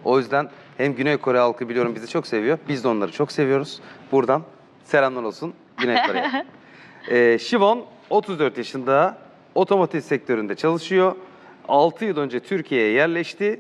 O yüzden hem Güney Kore halkı biliyorum bizi çok seviyor. Biz de onları çok seviyoruz. Buradan selamlar olsun Güney Kore'ye. Şivon 34 yaşında, otomotiv sektöründe çalışıyor. 6 yıl önce Türkiye'ye yerleşti.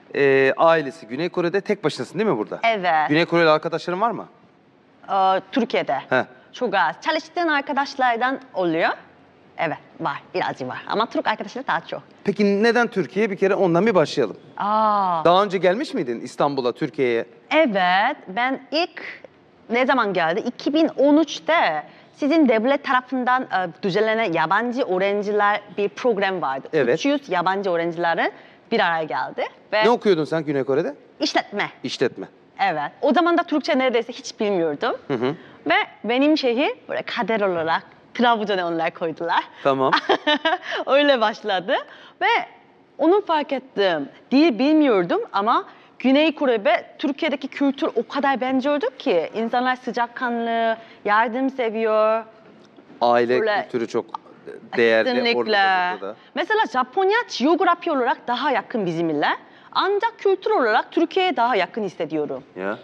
Ailesi Güney Kore'de, tek başınasın değil mi burada? Evet. Güney Koreli arkadaşların var mı? Türkiye'de. Heh. Çok az. Çalıştığın arkadaşlardan oluyor. Evet, var. Birazcık var. Ama Türk arkadaşlar daha çok. Peki neden Türkiye? Bir kere ondan bir başlayalım. Aa, Daha önce gelmiş miydin İstanbul'a, Türkiye'ye? evet. Ben ilk ne zaman geldi? 2013'te sizin devlet tarafından düzenlenen yabancı öğrenciler bir program vardı. Evet. 300 yabancı öğrencilerin bir araya geldi. Ve Ne okuyordun sen Güney Kore'de? işletme. İşletme. Evet. O zaman da Türkçe neredeyse hiç bilmiyordum. Hı. Ve benim şehir böyle kader olarak Trabzon'a onlar koydular. Tamam. Öyle başladı ve onu fark ettim. Dil bilmiyordum ama Güney Kore ve Türkiye'deki kültür o kadar benziyordu ki insanlar sıcakkanlı, yardım seviyor. Aile Böyle- kültürü çok değerli. Kesinlikle. Orada da. Mesela Japonya coğrafya olarak daha yakın bizimle. Ancak kültür olarak Türkiye'ye daha yakın hissediyorum. Ya.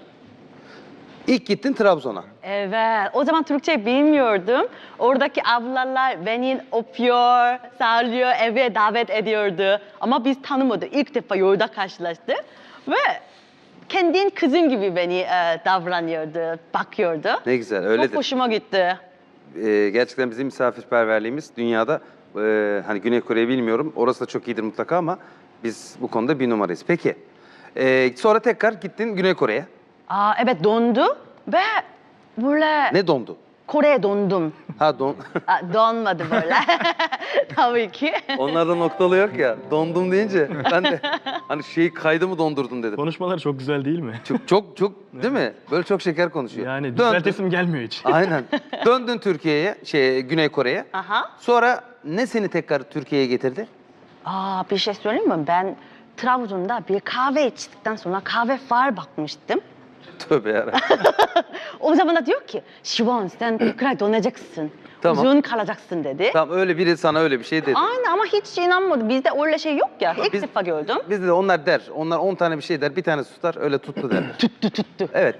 İlk gittin Trabzon'a. Evet, o zaman Türkçe bilmiyordum. Oradaki ablalar beni öpüyor, sağlıyor, eve davet ediyordu. Ama biz tanımadık. İlk defa yolda karşılaştık. Ve kendin kızın gibi beni davranıyordu, bakıyordu. Ne güzel, Çok öyledir. hoşuma gitti. Gerçekten bizim misafirperverliğimiz dünyada, hani Güney Kore'yi bilmiyorum, orası da çok iyidir mutlaka ama biz bu konuda bir numarayız. Peki, sonra tekrar gittin Güney Kore'ye. Evet, dondu ve böyle Ne dondu? Kore'ye dondum. Ha Donmadı böyle. Tabii ki. Onlarda noktalı yok ya, dondum deyince ben de hani kaydı mı dondurdun dedim. Konuşmaları çok güzel değil mi? Çok değil mi? Böyle çok şeker konuşuyor. Yani Döndün. düzeltesim gelmiyor hiç. Aynen. Döndün Türkiye'ye, Güney Kore'ye. Aha. Sonra ne seni tekrar Türkiye'ye getirdi? Bir şey söyleyeyim mi? Ben Trabzon'da bir kahve içtikten sonra kahve far bakmıştım. Tövbe yarabbim. O zaman da diyor ki, Şivan sen tekrar dönacaksın. Tamam. Uzun kalacaksın dedi. Tamam, öyle biri sana öyle bir şey dedi. Aynen ama hiç inanmadım. Bizde öyle şey yok ya. İlk Biz- defa gördüm. Bizde de onlar der. Onlar 10 tane bir şey der. Bir tanesi tutar. Öyle tuttu der. Tuttu. Evet.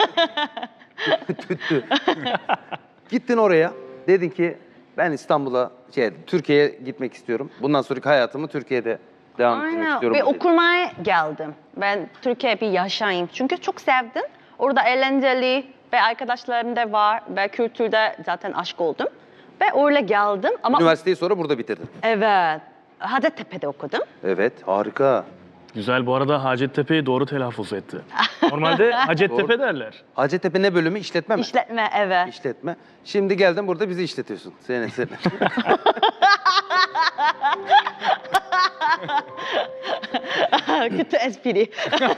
Tüttü. Gittin oraya. Dedin ki ben İstanbul'a, Türkiye'ye gitmek istiyorum. Bundan sonraki hayatımı Türkiye'de devam ettirmek Aynen. istiyorum. Bir dedin. okumaya geldim. Ben Türkiye'ye bir yaşayayım. Çünkü çok sevdim. Orada eğlenceli ve arkadaşlarım da var. Ve kültürde zaten aşık oldum. Ve öyle geldim. Ama Üniversiteyi sonra burada bitirdin. evet. Hacettepe'de okudum. Evet, harika. Güzel, bu arada Hacettepe'yi doğru telaffuz etti. Normalde Hacettepe derler. Hacettepe ne bölümü? İşletme mi? İşletme, evet. İşletme. Şimdi geldin burada bizi işletiyorsun. Seni. Kötü espri.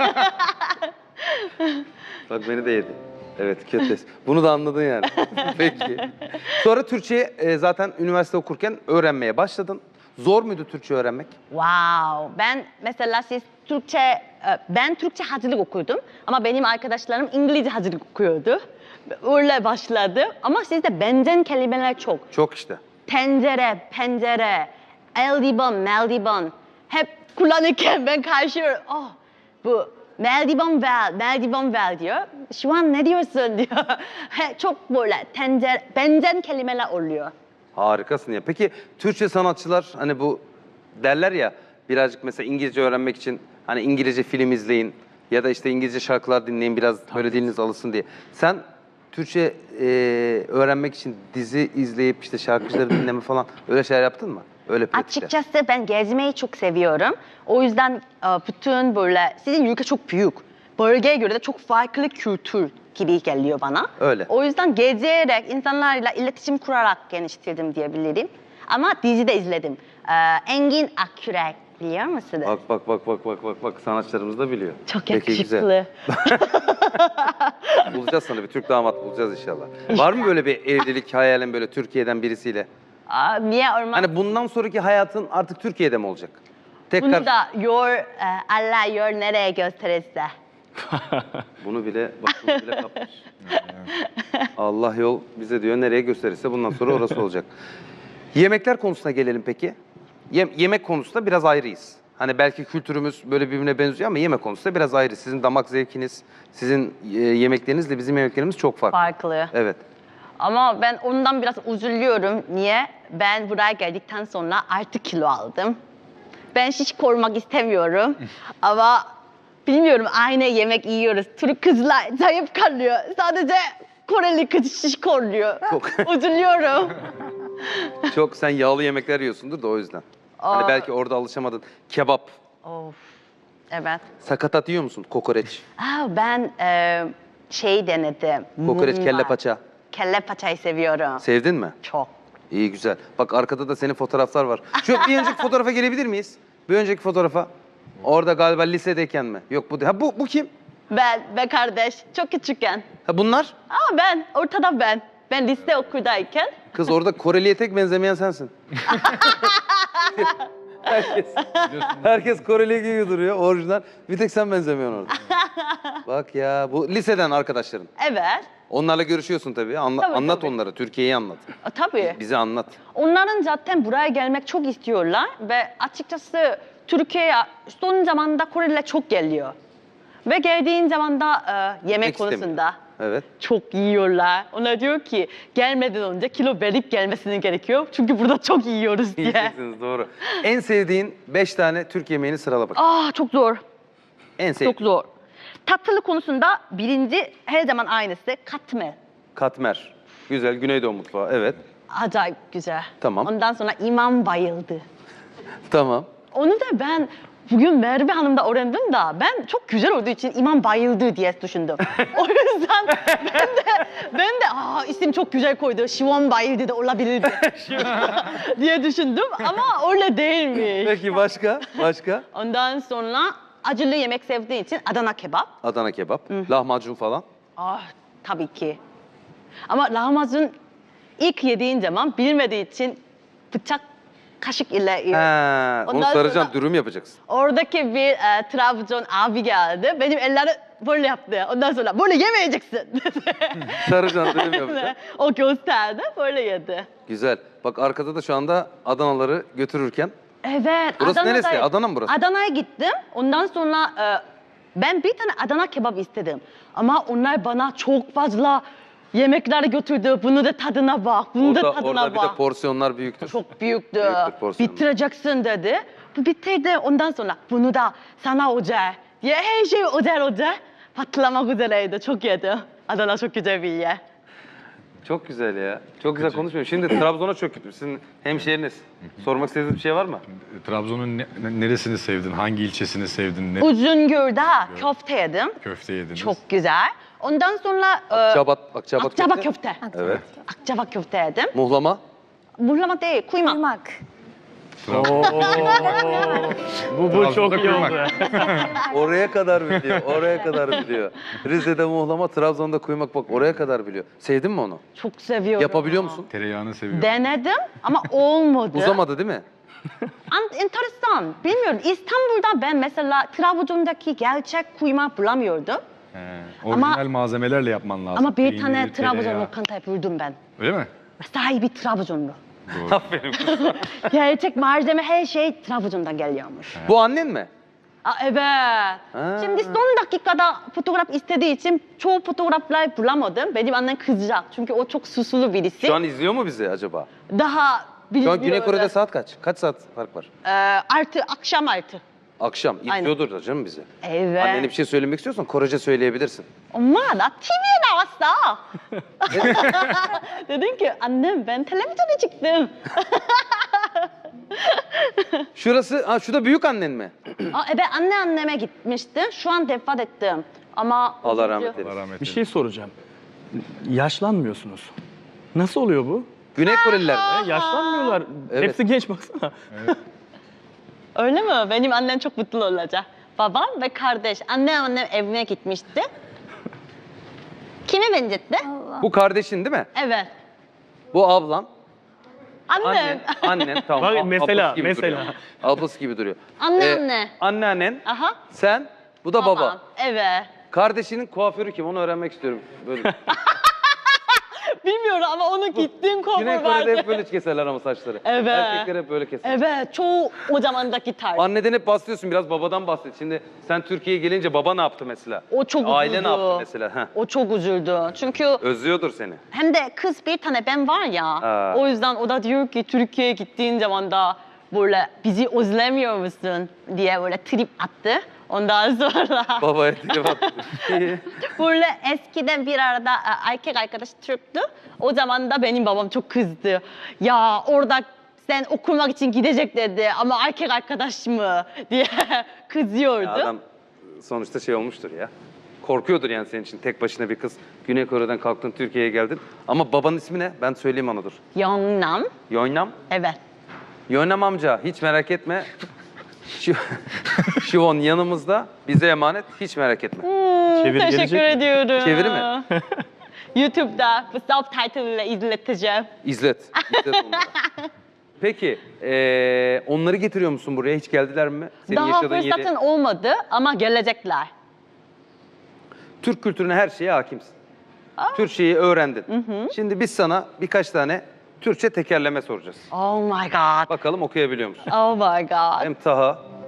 Bak beni de yedi. Evet, kötü. Bunu da anladın yani. Peki. Sonra Türkçe zaten üniversite okurken öğrenmeye başladın. Zor muydu Türkçe öğrenmek? Wow. Ben mesela ben Türkçe hazırlık okudum. Ama benim arkadaşlarım İngilizce hazırlık okuyordu. Öyle başladı. Ama sizde benzer kelimeler çok. Çok işte. Tencere, pencere, eldiven, meldiven. Hep kullanırken ben karşıyorum. Bu meldiven ver diyor. Şu an ne diyorsun diyor. Çok böyle benzer kelimeler oluyor. Harikasın ya. Peki Türkçe sanatçılar hani bu derler ya, birazcık mesela İngilizce öğrenmek için hani İngilizce film izleyin ya da işte İngilizce şarkılar dinleyin biraz böyle diliniz alışsın diye. Sen Türkçe öğrenmek için dizi izleyip işte şarkıcıları dinleme falan öyle şeyler yaptın mı? Öyle pratikler. Açıkçası ben gezmeyi çok seviyorum. O yüzden bütün böyle, sizin ülke çok büyük. Bölgeye göre de çok farklı kültür gibi geliyor bana. Öyle. O yüzden gezerek, insanlarla iletişim kurarak geliştirdim diyebilirim. Ama dizi de izledim. Engin Akyürek biliyor musunuz? Bak sanatçılarımız da biliyor. Çok Peki, güzel. yakışıklı. Bulacağız sana bir Türk damat bulacağız inşallah. Var mı böyle bir evlilik hayalin böyle Türkiye'den birisiyle? Niye olmaz? Hani bundan sonraki hayatın artık Türkiye'de mi olacak? Tekrar Bunu da Allah yol nereye gösterirse. bunu bile kapmış. Allah yol bize diyor nereye gösterirse bundan sonra orası olacak. Yemekler konusuna gelelim peki. Yemek konusunda biraz ayrıyız. Hani belki kültürümüz böyle birbirine benziyor ama yemek konusunda biraz ayrı. Sizin damak zevkiniz, sizin yemeklerinizle bizim yemeklerimiz çok farklı. Farklı. Evet. Ama ben ondan biraz üzülüyorum. Niye? Ben buraya geldikten sonra artık kilo aldım. Ben şiş korumak istemiyorum. Ama bilmiyorum, aynı yemek yiyoruz. Türk kızlar zayıf kalıyor. Sadece Koreli kız şiş koruyor. Çok. Üzülüyorum. Çok sen yağlı yemekler yiyorsundur da o yüzden. Hani Aa. belki orada alışamadın. Kebap, Of. Evet. sakatat yiyor musun? Kokoreç, Ben şey denedim. kokoreç, Mumbar. kelle paça. Kelle paçayı seviyorum. Sevdin mi? Çok. İyi güzel. Bak arkada da senin fotoğraflar var. Şu bir önceki fotoğrafa gelebilir miyiz? Bir önceki fotoğrafa. Orada galiba lisedeyken mi? Yok bu değil. Ha bu kim? Ben ve kardeş çok küçükken. Ha bunlar? Ben, ortada ben. Ben lise okuldayken. Kız orada Koreli'ye tek benzemeyen sensin. herkes Koreli gibi duruyor orijinal. Bir tek sen benzemiyorsun orada. Bak ya bu liseden arkadaşların. Evet. Onlarla görüşüyorsun tabii. Tabii, anlat tabii. onlara. Türkiye'yi anlat. Tabii. Bize anlat. Onların zaten buraya gelmek çok istiyorlar ve açıkçası Türkiye'ye son zamanda Koreliler çok geliyor. Ve geldiğin zaman da yemek Pek istemiyor. konusunda Evet. çok yiyorlar. Onlar diyor ki gelmeden önce kilo verip gelmesini gerekiyor. Çünkü burada çok yiyoruz diye. Yiyeceksiniz doğru. En sevdiğin 5 tane Türk yemeğini sırala bak. Çok zor. En sevdiğin. Çok zor. Tatlı konusunda birinci her zaman aynısı katmer. Katmer. Güzel. Güneydoğu mutfağı. Evet. Acayip güzel. Tamam. Ondan sonra imam bayıldı. Tamam. Onu da ben bugün Merve Hanım'da öğrendim da ben çok güzel olduğu için imam bayıldı diye düşündüm. O yüzden ben de isim çok güzel koydu. Şivan bayıldı da olabilirdi diye düşündüm ama öyle değilmiş. Peki başka? Başka? Ondan sonra acılı yemek sevdiği için Adana kebap. Adana kebap. Lahmacun falan. Tabii ki. Ama lahmacun ilk yediğin zaman bilmediği için bıçak kaşık ile yiyor. He, onu Ondan saracaksın, sonra- dürüm yapacaksın. Oradaki bir Trabzon abi geldi. Benim elleri böyle yaptı. Ondan sonra böyle yemeyeceksin dedi. Saracaksın, dürüm yapacaksın. O gösterdi, böyle yedi. Güzel. Bak arkada da şu anda Adanaları götürürken. Evet. Burası neresi? Adana mı burası? Adana'ya gittim. Ondan sonra ben bir tane Adana kebap istedim. Ama onlar bana çok fazla yemekler götürdü. Bunu da tadına bak, bunu da tadına Orada bir bak. de porsiyonlar büyüktür. Çok büyüktü. Büyüktür porsiyonu. Bitireceksin dedi. Bu bitirdi. Ondan sonra bunu da sana özel diye her şey özel. Patlamak üzereydi. Çok yedi. Adana çok güzel bir yer. Çok güzel ya. Çok güzel konuşmuyor. Şimdi Trabzon'a çok gittim. Sizin hemşehriniz. Sormak istediğiniz bir şey var mı? Trabzon'un neresini sevdin? Hangi ilçesini sevdin? Ne Uzungöl'de köfte yedim. köfte yediniz? Çok güzel. Ondan sonra Akçabat Akçabat köfte. köfte. Evet. Akçabat köfte yedim. Muhlama. Muhlama değil, kuymak. Kuymak. Oo. bu Trabzon'da çok iyi kuymak. oldu. Oraya kadar biliyor. Oraya kadar biliyor. Rize'de muhlama, Trabzon'da kuymak. Bak oraya kadar biliyor. Sevdin mi onu? Çok seviyorum. Yapabiliyor musun? Tereyağını seviyorum. Denedim ama olmadı. Uzamadı değil mi? Enteresan. Bilmiyorum. İstanbul'da ben mesela Trabzon'daki gerçek kuymak bulamıyordum. Orijinal malzemelerle yapman lazım. Ama bir Peynir, tane Trabzon tereyağı. lokantayı buldum ben. Öyle mi? Sahibi Trabzonlu. Aferin. Gerçek malzeme her şey Trabzon'dan geliyormuş. Bu annen mi? Evet. Şimdi son dakikada fotoğraf istediği için çoğu fotoğraflar bulamadım. Benim annem kızacak çünkü o çok susulu birisi. Şu an izliyor mu bizi acaba? Daha Şu bilmiyorum. an Güney Kore'de saat kaç? Kaç saat fark var? Akşam 6. Akşam. Aynen. İzliyordur da canım bizi. Evet. Annene bir şey söylemek istiyorsan Korece söyleyebilirsin. 엄마 나 TV'ye 나왔어. Dedim ki annem ben televizyona çıktım. Şurası, şu da büyük annen mi? Evet anneanneme gitmiştim. Şu an vefat ettim. Ama Allah rahmet eylesin. Allah rahmet Bir eylesin. şey soracağım. Yaşlanmıyorsunuz. Nasıl oluyor bu? Güney Koreliler mi? Yaşlanmıyorlar. Evet. Hepsi genç baksana. Öyle mi? Benim annem çok mutlu olacak. Babam ve kardeş. Annem evine gitmişti. Kime benzetti? Bu kardeşin değil mi? Evet. Bu ablan. Annem. Annen tamam. Bak, Ablası mesela, gibi mesela. duruyor. Ablası gibi duruyor. Anneanne. Anneannen, Aha. sen, bu da Babam. baba. Evet. Kardeşinin kuaförü kim? Onu öğrenmek istiyorum. Böyle. Bilmiyorum ama onun gittiğim Güney cover Kore'de hep vardı. böyle keserler ama saçları. Evet. Erkekler hep böyle keser. Evet, çoğu o zamandaki tarz. Anneden hep bahsediyorsun, biraz babadan bahset. Şimdi sen Türkiye'ye gelince baba ne yaptı mesela? O çok Aile üzüldü. ne yaptı mesela? Heh. O çok üzüldü. Çünkü Özlüyordur seni. hem de kız bir tane ben var ya. Ha. O yüzden o da diyor ki Türkiye'ye gittiğin zaman da böyle bizi özlemiyor musun diye böyle trip attı. Ondan sonra Babaya trip attı. böyle eskiden bir arada erkek arkadaş Türktü. O zaman da benim babam çok kızdı. Ya orada sen okumak için gidecek dedi ama erkek arkadaş mı diye kızıyordu. Ya adam sonuçta şey olmuştur ya. Korkuyordur yani senin için tek başına bir kız. Güney Kore'den kalktın Türkiye'ye geldin. Ama babanın ismi ne? Ben söyleyeyim ona dur. Yeonnam. Yeonnam. Evet. Yeonnam amca hiç merak etme. Şivon yanımızda, bize emanet, hiç merak etme. Çeviri Teşekkür gelecek mi? ediyorum. Çeviri mi? YouTube'da bu subtitle ile izleteceğim. İzlet. İzlet onları. Peki, onları getiriyor musun buraya? Hiç geldiler mi? Senin Daha yaşadığın yeri. fırsatın olmadı ama gelecekler. Türk kültürüne her şeye hakimsin. Türkçeyi öğrendin. Şimdi biz sana birkaç tane Türkçe tekerleme soracağız. Oh my god. Bakalım okuyabiliyor musun? Oh my god. Hem Taha